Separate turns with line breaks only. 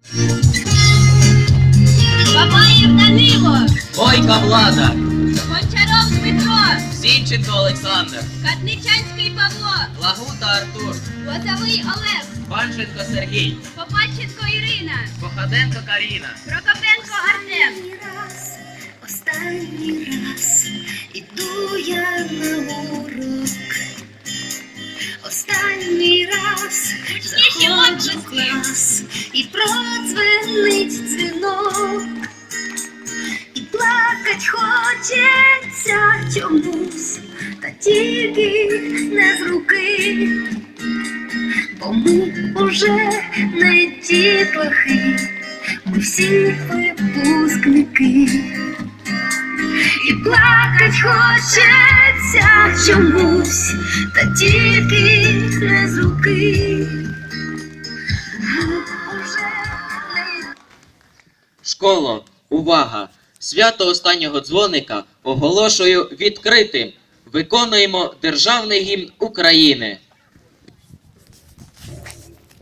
Бабаєв Данило,
Бойка Влада,
Гончаров Дмитро,
Зінченко Олександр,
Кадничанський Павло,
Лагута Артур,
Лозовий Олег,
Панченко Сергій,
Попадченко Ірина,
Походенко Каріна,
Прокопенко Артем.
Останній раз іду я на урок. Останній раз
Гучніші
заходжу в
оплески.
клас і продзвенить дзвінок. І плакать хочеться чомусь, та тільки не з руки. Бо ми уже не дітлахи, ми всі випускники. І плакать хочеться чомусь, та тільки не з руки. Ми уже не...
Школо, увага! Свято останнього дзвоника оголошую відкритим. Виконуємо державний гімн України.